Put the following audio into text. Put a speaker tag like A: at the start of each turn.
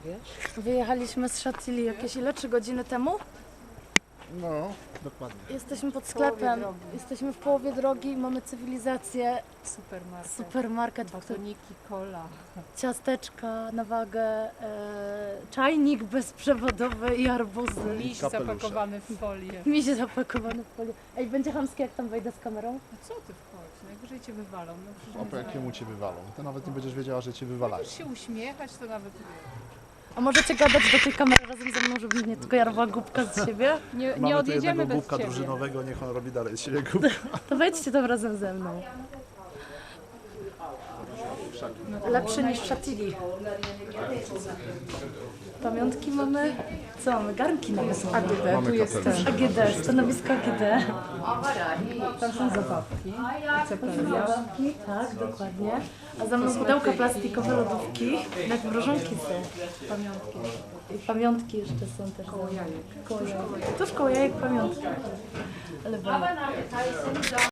A: wiesz?
B: Wyjechaliśmy z Chantilly jakieś ile? 3 godziny temu?
C: No, dokładnie.
B: Jesteśmy pod sklepem. Jesteśmy w połowie drogi i mamy cywilizację. Supermarket, w którym
A: Batoniki, cola.
B: ciasteczka na wagę, czajnik bezprzewodowy i arbuzy.
A: Miś
C: kapelusze.
A: zapakowany w folię.
B: Misie zapakowane w folię. Ej, będzie chamskie jak tam wejdę z kamerą?
A: A co ty wchodź? Najwyżej cię wywalą. No, przecież
C: O, po jakiemu cię wywalą? To nawet nie będziesz wiedziała, że cię wywalają.
A: Możesz się uśmiechać, to nawet
B: A możecie gadać do tej kamery razem ze mną, żeby mnie tylko jarła głupka z siebie?
A: nie
C: Mamy tu
A: odjedziemy
C: jednego
A: bez
C: głupka
A: ciebie.
C: drużynowego, niech on robi dalej z siebie głupka.
B: To wejdźcie tam razem ze mną. Lepszy niż w Chantilly. Pamiątki mamy. Co mamy? Garnki nawet są.
A: AGD,
C: Mamy
A: tu jest
C: kapelusz.
A: ten.
B: AGD, stanowisko AGD.
A: Tam są zabawki. Cepeliasz.
B: Tak, dokładnie. A za mną pudełka plastikowe, lodówki. Jak mrożonki są. Pamiątki. I pamiątki jeszcze są też. Koło jajek. Tuż koło jajek pamiątki. Ale